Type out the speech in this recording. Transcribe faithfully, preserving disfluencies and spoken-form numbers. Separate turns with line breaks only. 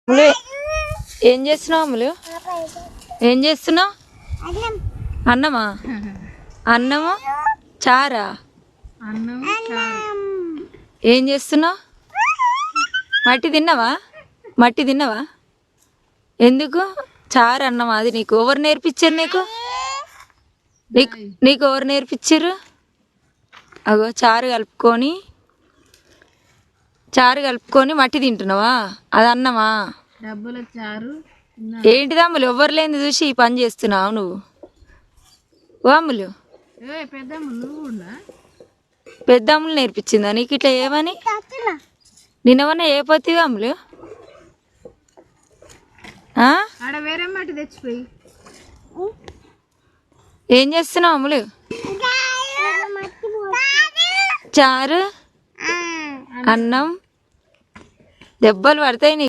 అమ్ములు ఏం చేస్తున్నావు? అమ్ములు ఏం చేస్తున్నావు? అన్నమా? అన్నము చారా? ఏం చేస్తున్నావు? మట్టి తిన్నావా? మట్టి తిన్నావా? ఎందుకు చారు అన్నమా? అది నీకు ఎవరు నేర్పించారు? నీకు నీకు నీకు ఎవరు నేర్పించారు? అగో చారు కలుపుకొని చారు కలుపుకొని మట్టి తింటున్నావా? అది అన్నమా?
డబ్బుల చారు.
ఏంటిది అమ్ములు ఎవ్వరు లేని చూసి ఈ పని చేస్తున్నావు నువ్వు? ఓ అమ్ములు, పెద్ద అమ్ములు నేర్పించిందా నీకు ఇట్లా ఏమని? నిన్నవన్నా ఏ పోతివి అమ్ములు?
ఆడ వేరే మట్టి తెచ్చిపోయి
ఏం చేస్తున్నావు అమ్ములు? చారు అన్నం దెబ్బలు పడతాయి నీకు.